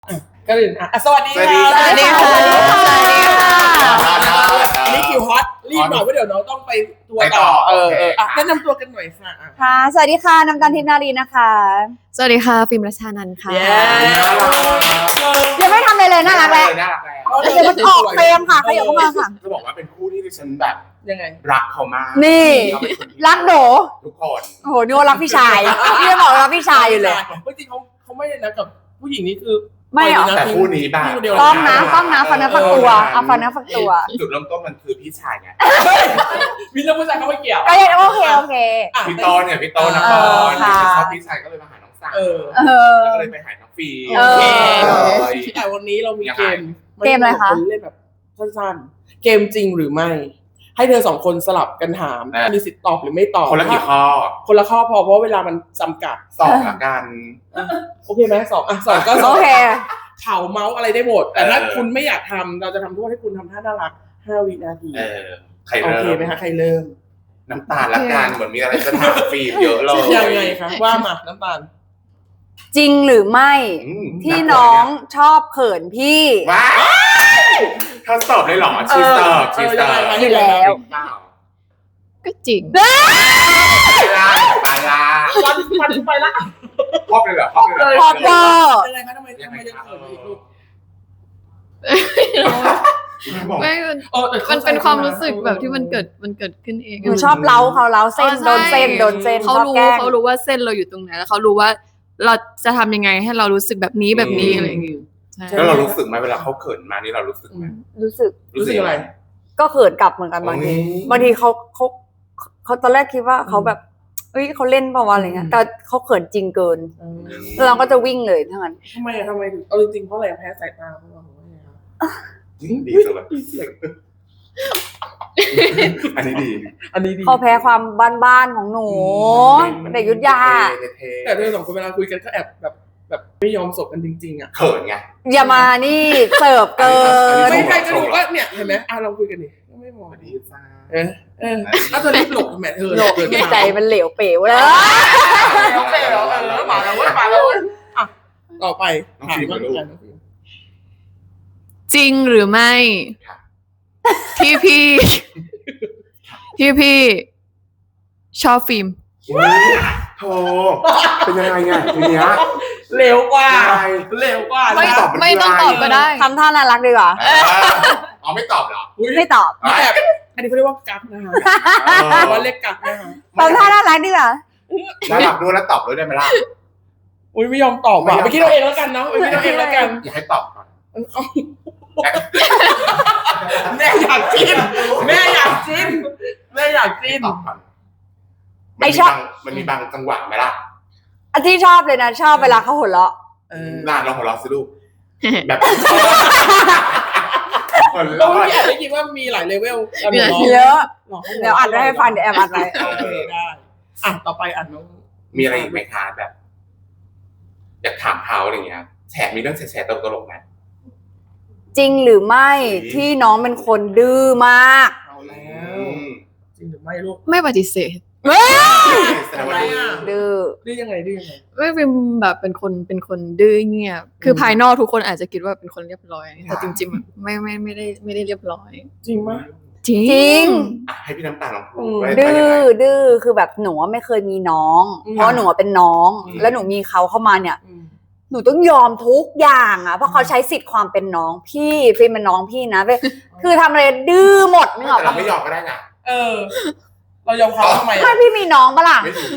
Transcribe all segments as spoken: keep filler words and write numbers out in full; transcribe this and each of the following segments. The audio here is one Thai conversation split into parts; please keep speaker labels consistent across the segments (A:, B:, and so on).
A: ก็อื่นอ่ะสวัสดีค่ะ
B: สวัสดีค่ะ
A: สวัสดีค่ะอันนี้คิวฮอตรีบหน่อยเพราะเดี๋ยวน้องต้องไปทัวร์ต่อเออเอออ่ะแนะนำตัวกันหน่อยค่ะ
B: ค่ะสวัสดีค่ะน้ำตาลทิพย์นารีนะคะ
C: สวัสดีค่ะฟิล์มรัชานันท์ค่ะ
B: ยังไม่ทำอะไรเลยน่ารักแล้ว
D: น่ารักแล้ว
B: เดี๋ยวมันออกเฟรมค่ะขยับเข้ามาค่ะ
D: จะบอกว่าเป็นคู่ที่ดิฉันแบบ
A: ยังไง
D: รักเขามาก
B: นี่
D: เขาเป็นคนที่
B: รักโด
D: ทุกคน
B: โอ้โหนี่ว่ารักพี่ชายพี่จะบอกรักพี่ชายอยู่เลย
A: จริงเขาเขาไม่ได้นะกับผู้หญิงนี่คือ
B: ไม่เหรอ
D: แต่คู่นี้บ้าง
B: ต้องนะต้องนะฟันนะฟักตัวเอาฟันนะฟักตัว
D: จุดเริ่มต้นมันคือพี่ชายไง
A: มีเรื่องผู้ชายเขาไม่เกี่ยว
B: ก็ยังโอเคโอเค
D: พี่โตเนี่ยพี่โตนะคร
B: ค่ะ
D: ชอบพี่ชายก็เลยมาหาน้องสาว
A: เออ
B: เออ
D: ก็เลยไปหาน้องฟี
B: เออ
A: แต่วันนี้เรามีเกม
B: เกมอะไรคะ
A: เล่นแบบสั้นๆเกมจริงหรือไม่ ให้เธอสองคนสลับกันถามมีสิทธิ์ตอบหรือไม่ตอบ
D: คนละกี่ข้อ
A: คนละข้อพอเพราะเวลามันจำกัด
D: สองละกัน
A: โอเคไหมสองอ่ะสองก็สอง
B: โอเค
A: เข่าเมาส์อะไรได้หมด แต่ถ้า
D: เออ
A: คุณไม่อยากทำเราจะทำโทษให้คุณทำท่าน่ารักห้าวินาที
D: เออใคร
A: โอ
D: เริ่
A: เค
D: ม
A: ไหมคะใครเริ่ม
D: น้ำตาลละกันเหมือนมีอะไรจะถามฟีมเยอะเลย
A: ยังไงคะว่ามาน้ำตาล
B: จริงหรือไม่
D: อืม
B: ที่น้องชอบเขินพี่
D: ว้าวเธอตอบเลยเหรอชีสเตอร์ชีสเตอร์
B: อยู่แล้ว
C: ก็จริง
D: ปลาลาปลาลา
A: วันวันไปละ
D: พอบเลยเหรอพอบเลยเหรอ
B: พอเตอร์
A: ยังไงคะทำไมทำไมยังเขินอีกลูก
D: บอก
C: ไม่
A: เออแต่
C: มันเป็นความรู้สึกแบบที่มันเกิดมันเกิดขึ้นเอง
B: หนูชอบเล้าเขาเล้าเส้นโดนเส้นโดนเส้น
C: เขา
B: ชอบ
C: รู้
B: แกล้ง
C: เขารู้ว่าเส้นเราอยู่ตรงไหนแล้วเขารู้ว่าเราจะทำยังไงให้เรารู้สึกแบบนี้แบบนี้อะไรอย่างเงี้ยใช่
D: แล้วเรารู้สึกไหมเวลาเขาเขินมานี่เรารู้สึกไหม
B: รู้สึก
A: รู้สึกอะไร
B: ก็เขินกลับเหมือนกันบางที
D: โอ้ย
B: บางทีเขาเขาเขาตอนแรกคิดว่าเขาแบบเอ้ยเขาเล่นเปล่าวะอะไรเงี้ยแต่เขาเขินจริงเกินแล้วเราก็จะวิ่งเลยทั้งนั้น
A: ทำไมอะทำไมถึงเอาจริงๆเพราะอะไรแพ้สายตาเพราะเราว่าไงคะ
D: ดีสุดเลยอันนี้ดี
A: อันนี้ดี
B: เขาแพ้ความบ้านๆของหนูเด็กยุทธยา
A: แต่เธอสองคนเวลาคุยกันก็แอบแบบแบบไม่ยอมสบกันจริงๆอ่ะ
D: เขินไง
B: อย่ามานี่เสิร์ฟเกิน
A: ไม่ใครก็ดูก็เนี่ยเห็นไหมอ่ะเราคุยกันดิไม่มอง
D: ดีจ้า
A: เออเออถ้าเธอรีบหลบแม่เธอ
B: โลกใจมันเหลวเป๋วเลย
A: แล้วเปแล้วเออมาแล้วเว้ยมาแล้วเว้ยอ่ะต่อไปถามว่าอะไรนะพี่
C: จริงหรือไม่ที่พี่ที่พี่ชอบฟิล์ม
D: โธ่เป็นยังไงไงทีเนี้ย
A: เร็วกว่า
D: อะไร
A: เร็วกว่า
C: ไม่
A: นะ
D: ตอบมัน
C: ไม่ต้อง
D: คือ
C: ต
D: อะไร
C: อบก็ได้
B: ทำท่าน่ารักดีกว่า
D: เอออ๋อไม่ตอบเหรอ
A: อุ๊ย
B: ไม่ตอบ
A: นี่แบบอันนี้เขาเรียกว่ากักนะคะว่าเรียกกักนะคะ
B: ทำท่าน่ารักดีกว่า
D: แล้วหลับด้วยแล้วตอบด้วยได้ไหมล่ะ
A: อุ้ยไม่ยอมตอบอ่ะไปคิดเอาเองแล้วกันเนาะไปคิดเอาเองแล้วกัน
D: อยากให้ตอบก่อน
A: แม่อยากจิ้นแม่อยากจิ้นแม่อยากจิ้น
D: ตอบก่อน
B: ไอ้ชอบ
D: มันมีบางจังหวะไหมล่ะ
B: อันที่ชอบเลยนะชอบเวลาเขาหัวเราะ
A: เออ
D: น่าลองหัวเราะสิลูกแบบคน
A: เรา
D: เรา
A: ไม่อยากได้ยินว่ามีหลายเลเวล
C: มีหลาย
B: เยอะเดี๋ยวอัดไว้ให้ฟังเดี๋ยวแอบอัดไว้
A: โอเคได้อ่ะต่อไปอัดน้อง
D: มีอะไรอีกไหมคะแบบ อยากถามเขาอะไรเงี้ยแฉมีเรื่องแฉะๆตลกๆไหม
B: จริงหรือไม่ที่น้องเป็นคนดื้อมาก
A: เอาแล้วจริงหรือไม่ลูก
C: ไม่ปฏิเสธ
D: แสดงว่าดี
B: ดื้อ
A: ดื้อยังไงดื้อยังไง
C: ไม่ฟิล์มแบบเป็นคนเป็นคนดื้อเงียบคือภายนอกทุกคนอาจจะคิดว่าเป็นคนเรียบร้อยแต่จริงๆไม่ไม่ไม่ได้ไม่ได้เรียบร้อย
A: จริงปะ
C: จริ
B: จริง
D: อ่ะให้พี่น้ำตาลลองพู
A: อื
D: ด
A: ม
D: ไว้
B: ดื้
D: ว่า
B: อ
D: ยังไง
B: ดื้อคือแบบหนูไม่เคยมีน้อง
A: อืม
B: เพราะหนูเป็นน้อง
D: อืม
B: แล้วหนูมีเขาเข้ามาเนี่ย
A: อืม
B: หนูต้องยอมทุกอย่างอ่ะเพราะเขาใช้สิทธิ์ความเป็นน้องพี่ฟิล์มเป็นน้องพี่นะเว้ยคือทำอะไรดื้อหมดนึกออก
D: แต่เรา
B: ปะ
D: ไม่ยอมก็ได้นะ
A: เออ เรายอมเขาทำไม
B: ไม่พี่มีน้องปะล่ะ
D: ไม่ดี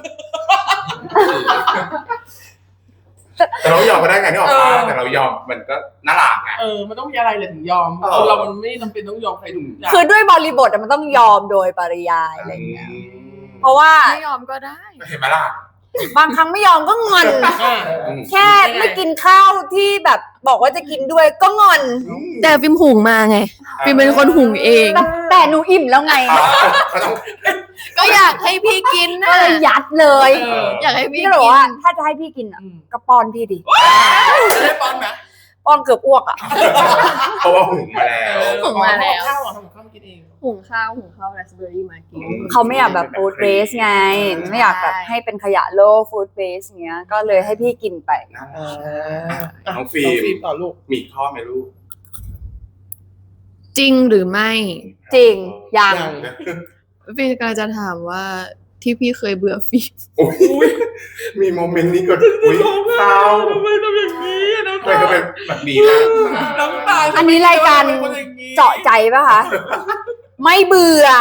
D: แต่เราไม่ยอมก็ได้ไงนี่ออกมาแต่เรายอมมันก็น่ารักไง
A: เออมันต้องมีอะไรเลยถึงยอม
D: เออ
A: คนเรามันไม่จำเป็นต้องยอมใครทุกอย่าง
B: คือด้วยบริบทอะมันต้องยอมโดยปริยายอะไรอย่างเงี้ย
D: อืม
B: เพราะว่า
C: ไม่ยอมก็ได้
D: เห็นไหมล่ะ
B: บางครั้งไม่ยอมก็งอน
A: อ่ะ
D: อืม
B: แค่ไม่กินข้าวที่แบบบอกว่าจะกินด้วยก็งอน
C: แต่ฟิล์มหุงมาไงฟิล์มเป็นคนหุงเอง
B: แต่แต่หนูอิ่มแล้วไง
D: อ๋อเขาต้อง
C: ก็อยากให้พี่กิน
B: ก็
C: นะ
B: เลยยัดเลย
A: เออ
C: อยากให้
B: พี่
C: พี่
B: ก็
C: กิ
B: บอกว่า
C: น
B: ถ้าจะให้พี่กินอะ
A: อืม
B: ก็ป้อนพี่ดิ
A: จะได้ป้อนไหม
B: ป้อนเกือบอ้วกอะ
D: เพราะว่าหุงมาแล้ว
C: หุงมาแล้ว
A: ข้าวอ่ะทำกับข้าวกินเอง
B: ห
C: หุงข้าวหุงข้าวไรซ์เบอร์รี่มากิน
B: เขาไม่อยากแบบฟู้ดเวสไงไม่อยากแบบให้เป็นขยะโลกฟู้ดเวสเงี้ยก็เลยให้พี่กินไป
D: น่า
A: เอ
D: รัก
A: อ
D: น้องฟิล์ม
A: น้องฟิล์มต่อลูก
D: มีข้อไหมลูก
C: จริงหรือไม่
B: จริงยัง
A: ยัง
C: พี่กำลังจะถามว่าที่พี่เคยเบื่อฟิล์ม
D: โอ้ยมีโมเมนต์นี้เกิดอุ้ยเศร้า
A: ทำไมทำอย่างนี้อะน้ำ
D: ทำไม
A: ตา
D: ก็เป็นแบบนี้ล่ะ
A: น้ำตา
B: อันนี้รายการเจาะใจปะคะไม่เบื่อ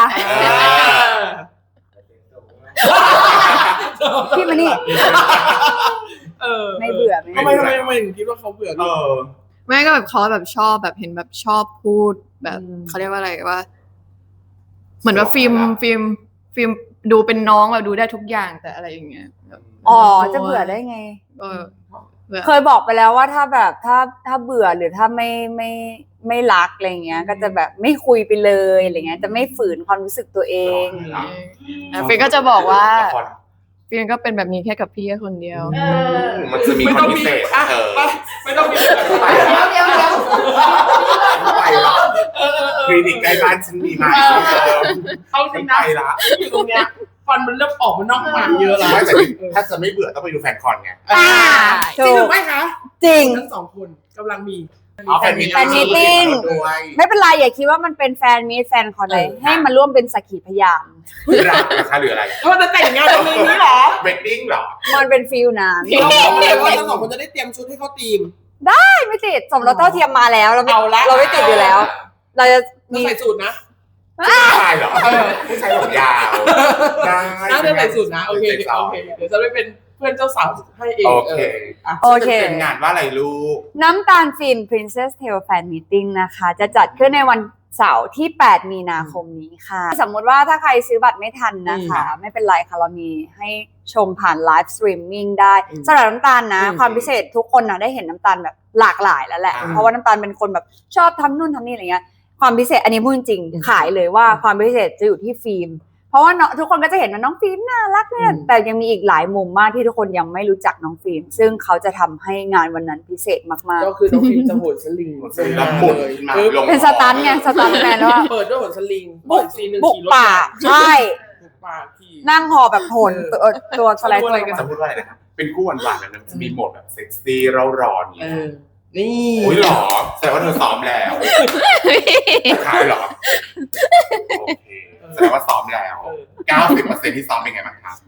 B: พี่มานี่
A: เออ
B: ไม่เบื่อไม่
A: ทำไม
B: เบื่อ
A: ทำไมทำไมถึงคิดว่าเขาเบื่อ
D: เออ
C: ไม่ก็แบบเขาแบบชอบแบบเห็นแบบชอบพูดแบบ
A: อืม
C: เขาเรียกว่าอะไรว่า เหมือนว่าฟิล์มฟิล์มฟิล์มดูเป็นน้องแบบดูได้ทุกอย่างแต่อะไรอย่างเงี้ยแบบ
B: อ๋อจะเบื่อได้ไง
C: เออเบื่อ
B: เคยบอกไปแล้วว่าถ้าแบบถ้าถ้าเบื่อหรือถ้าไม่ไม่ไม่รักอะไรเงี้ย ก็จะแบบไม่คุยไปเลยอะไรเงี้ยจะไม่ฝืนความรู้สึกตัวเอง
C: อ่ะฟิล์มก็จะบอกว่า
D: ละคร
C: ฟิล์มก็เป็นแบบนี้แค่กับพี่แค่คนเดียว
D: มันจะมี
A: ไม่
D: ค
A: ต้อน ง
D: พิ
A: มี
D: เศษ
A: อ่ะ
D: เออ
A: ไปไม่ต้องมี
D: ไปแล้ว
B: เดี๋ยวเดี๋ยว
D: ไปแล้วคลินิกใกล้บ้านฉันมีไหม
A: เอาจ
D: ฉั
A: ริ
D: น
A: ง
D: ไป
A: นะ
D: ละ
A: อยู่ตรงเนี้ยฟันมันเริ่มออกมานอกปากเยอะแล้ว
D: ไม่แต่ถ้าจะไม่เบื่อต้องไปดูแฟนคอนไง
A: อ่าจริงหรือไม่คะ
B: จริง
A: ทั้งสองคนกำลังมี
D: เอาแฟนมีต
B: แฟนมีตติ้ง
D: ด้วย
B: ไม่เป็นไรอย่าคิดว่ามันเป็นแฟนมีตแฟนคอนเลย
A: เออ
B: ให้มาร่วมเป็นสักขีพยาน
D: รักนะคะหรืออะไร
A: เขาจะแต่งงานกันเลยนี้เหรอ
D: เวดดิ้งเหรอ
B: มันเป็นฟิลนั้น
A: เราบอกเลยว่าทั้งสองคนจะได้เตรียมชุดให้เขาตีม
B: ไม่ติดสมรสเท่าเทียมมาแล้วเราไม่
A: เอาละ
B: เราไม่ติดอยู่แล้ว เราจะ
A: จะ
B: มี
A: ใส่สูตรนะ
D: ผู้ชายเหรอผู้ชายผมยาวได้
A: น่าจะใส่สูตรนะโอเคโอเคเดี๋ยวจะไปเป็นเพื่อนเจ้าสาวให้เอง
D: โอเค
A: อ่ะ
B: โอเค
D: เป็นงานว่าอะไรลูก
B: น้ำตาลฟิล์ม Princess Tale Fan Meeting นะคะ จะจัดขึ้นในวันเสาร์ที่ แปด มีนาคมนี้ค่ะ สมมติว่าถ้าใครซื้อบัตรไม่ทันนะคะ ไม่เป็นไรค่ะ เรามีให้ชมผ่านไลฟ์สตรีมมิ่งได้สำหรับน้ำตาลนะ ความพิเศษทุกคนนะได้เห็นน้ำตาลแบบหลากหลายแล้วแหละ เพราะว่าน้ำตาลเป็นคนแบบชอบทำนู่นทำนี่อะไรเงี้ยความพิเศษอันนี้พูดจริงขายเลยว่าความพิเศษจะอยู่ที่ฟิล์มเพราะว่าทุกคนก็จะเห็นว่าน้องฟิล์มน่ารักเนี่ยแต่ยังมีอีกหลายมุมมากที่ทุกคนยังไม่รู้จักน้องฟิล์มซึ่งเขาจะทำให้งานวันนั้นพิเศษมากๆ
A: ก็คือน้องฟิล์มจะโหนสลิง
D: แล้วหมุนมาลง
B: เป็นสตันไงสตันแมนว่า
A: เปิดด้วยโหนสลิง
B: บุก
A: ซีหนึ่ง
B: บุก
A: ขี่รถ
B: ป่าใช่
A: บุกป่าขี่
B: นั่งหอแบบโหนตัวตัวสไลด์ตัว
D: สมมติว่าอะไรนะครับเป็นคู่หวานๆแล้วนะจะมีโหมดแบบเซ็กซี่เร่าร้อนอย่าง
A: เอ
D: เงี้ย
A: อนี่
D: อุ้ยหรอแสดงว่าเธอซ้อมแล้วขายหรอโอเคแสดงว่าซ้อมแล้ว เก้าสิบเปอร์เซ็นต์ที่ซ้อมเป็นไงบ้างครับ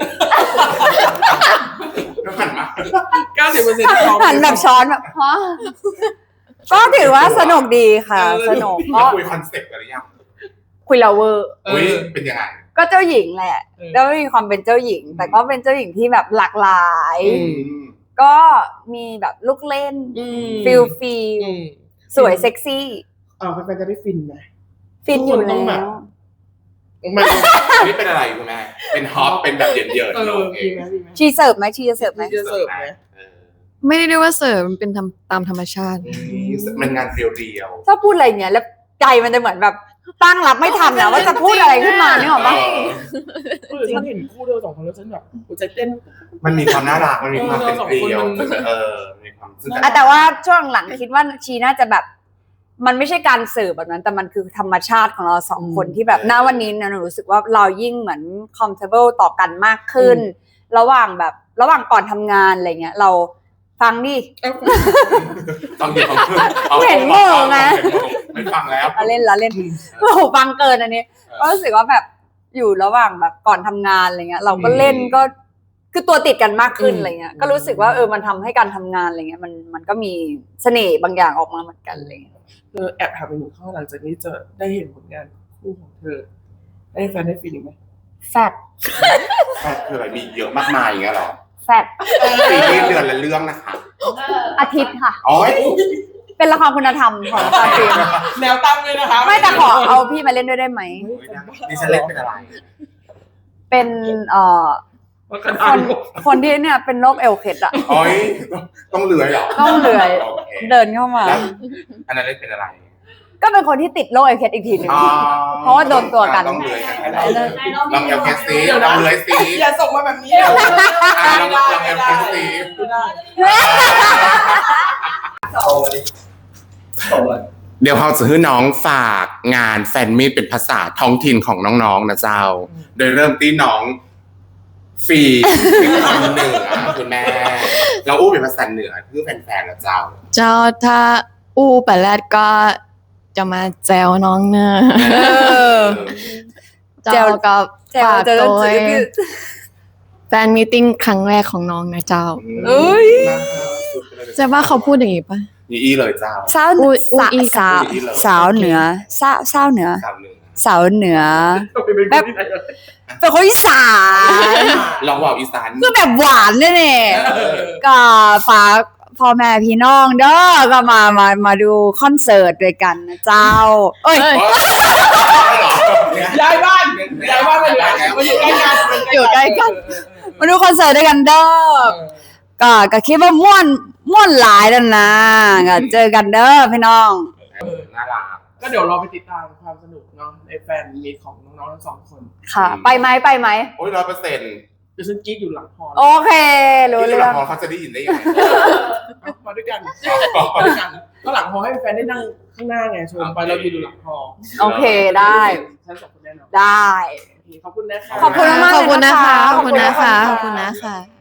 D: น้ำหันมา
A: เก้าสิบเปอร์เซ็นต์ที่พร้อม
B: หันแบบช้อนแบบฮะก็ถือว่าสนุกดีค่ะ สนุก
D: แล้
B: ก็
D: วคุยคอนเซ็ปต์กันหรือยัง
B: คุยลาเวอร์
A: เอ
D: อุ้ย
A: อ
D: เป็นยังไง
B: ก็เจ้าหญิงแหละ
A: เออ
B: แล้วมีความเป็นเจ้าหญิง แต่ก็เป็นเจ้าหญิงที่แบบหลากหลาย
A: อืม
B: ก็มีแบบลูกเล่น
A: อืม
B: ฟิลฟิล
A: อืม
B: สวยเซ็กซี่
A: อ้าวแฟนๆจะได้ฟินไหม
B: ฟินอยู่
A: ทุกคนต้
B: แล้
A: องแบบ
B: ว
A: มัน
D: นี่เป็นอะไรคุณแม่เป็นฮอปเป็นแบบเยิน
A: เอ
D: ๆ
A: อ
D: โอเค
A: ดีไหมดีไหม
B: ชีเสิร์ฟไหมชีจะเสิร์ฟไหม
A: จะเสิร์ฟไหม
D: เออ
C: ไม่ได้เรียกว่าเสิร์ฟมันเป็นทำตามธรรมชาติ
D: มันงานเรียว
B: ชอบพูดอะไรอย่างเงี้ยแล้วใจมันจะเหมือนแบบตั้งรับไม่ทันนะว่าจะพูดอะไรขึ้นมาเนี่ยหรอ
D: ๆ
B: ปะ
A: เออฉันเห็นคู่เธอสองคนแล้วฉันแบบหัวใจเต้น
D: มันมีความน่ารักมันมีความเป็นเรียว
A: เออสองคนมัน
D: เออมีความซึ่ง
B: อ่ะแต่ว่าช่วงหลังคิดว่าชีน่าจะแบบ มันไม่ใช่การเสิร์ฟแบบนั้น แต่มันคือธรรมชาติของเราสองคนที่แบบณวันนี้เนี่ยหนูรู้สึกว่าเรายิ่งเหมือน comfortable ต่อกันมากขึ้น ระหว่างแบบระหว่างก่อนทำงานอะไรเงี้ย เราฟังดิ
D: ต้องเดี๋ยวต้อง
B: เห็นมือไง
D: ไม่ฟังแล้ว
B: เราเล่นเราเล่นโอ้โหฟังเกินอันนี้ก็รู้สึกว่าแบบอยู่ระหว่างแบบก่อนทำงานอะไรเงี้ย เราก็เล่นก็คือตัวติดกันมากขึ้นอะไรเงี้ย ก็รู้สึกว่าเออมันทำให้การทำงานอะไรเงี้ยมันมันก็มีเสน่ห์บางอย่างออกมาเหมือนกันอะไรเลย
A: เธอแอบถามไปหนึ่งข้อหลังจากนี้จะได้เห็นผลงานคู่ของเธอ ได้แฟนได้ฟีลลิ่งไหม
B: แฟด
D: แฟนคืออะไรมีเยอะมากมายอย่างเงี้ยหรอ
B: แฟด
D: ปีนี้เดือนละเรื่องนะคะ
B: อาทิตย์ค่ะ
D: อ๋อ
B: เป็นละครคุณธรรมของตาฟิล์ม
A: แนวตั้งเลยนะคะ
B: ไม่แต่ขอเอาพี่มาเล่นด้วยได้ไหม
D: ดิฉันเล่นเป็นอะไร
B: เป็นเอ่อ
A: ว่ากัน
B: คนคนที่เนี่ยเป็นโรคเอลเคดอะ
D: อ๋อยต้องเลื้อยเหรอ
B: ต้องเลื้อย
D: โอเค
B: เดินเข้ามา
D: แล้วอันนั้นเล่นเป็นอะไร
B: ก็เป็นคนที่ติดโรคเอลเคดอีกทีหนึง
D: อ๋อ
B: เพราะว่าโดนตัวกัน
D: ต้องเลื้อยกัน
B: ได้เลย
D: ลองเอลเคสซีลองเลื้อยซี
A: อย่าส่งมาแบบนี้เดี๋ยว
D: อ่ะลองลองเอลเคสซี
A: ไม่ได้
E: โตเลยโตเลย
D: เดี๋ยวเขาจะให้น้องฝากงานแฟนมีตเป็นภาษาท้องถิ่นของน้องๆนะเจ้า โดยเริ่มที่น้องฟีเป็นคำเหนือคุณแม่เราอู้เป็นภาษาเหนือเพื่อแฟนๆนะเจ้า
C: เจ้าถ้าอู้ไปแรกก็จะมาแจวน้องเนอะเจ้าก็
B: แจว
C: ฝาก
B: เจอ
C: ตัว
B: จืด
C: แฟนมีตติ้งครั้งแรกของน้องนะเจ้า
B: เอ้ย
C: จะว่าเขาพูดอย่างนี้ปะ
D: นี่อีเลยเจ้า
B: สาว
C: อุ๊ย
B: สา
C: อุ๊ย
B: สาว
D: อุ๊ย
B: สาวเหนือสาวสาวเหนือ
D: สาวเหนือ
B: สาวเหนือ
A: แบบ
B: เป็นคนอีสาน
D: ลองว่าวอีสาน
B: คือแบบหวานเนี่ยเนี่ย
A: เออ
B: ก็ฝากพ่อแม่พี่น้องเด้อก็มามามาดูคอนเสิร์ตด้วยกันนะเจ้า เอ้ย
A: ย้ายบ้านย้ายบ้านมาเลยมาอยู่ใกล้กัน
B: อยู่ใกล้กัน มาดูคอนเสิร์ตด้วยกันเด้อก็ก็คิดว่าม่วนม่วนหลายแล้วนะก็เจอกันเด้อพี่น้อง
D: น่ารัก
A: ก็เดี๋ยวเราไปติดตามความสนุกเนาะในแฟนมีตของน้องๆทั้งสองคน
B: ค่ะ ไปไหมไปไหม
D: โอ้ยร้อยเปอร์เซ็นต์
A: เดี๋ยวฉันกรีดอยู่หลังพร
B: โอเค รู้
D: ที่
B: เรื่
D: หลั
B: อง ง
D: พอเขาจะได้ยินได้ยังไง
A: มาด้วยกันมาด้วยกันก็หลังพอให้แฟนได้นั่งข้างหน้าไงชมไปเราอยู่หลังพอ
B: โอเคได้
A: ฉันสองคนแน่นอน
B: ได้
A: โอเคขอบคุณนะคะ
B: ขอบคุณมากๆ
C: ขอบคุณนะคะ
B: ข
C: ข
B: อ
C: อ
B: บบ คุ
C: คุณ ณ
B: นะ
C: นะคะ คะ ขอบคุณนะคะ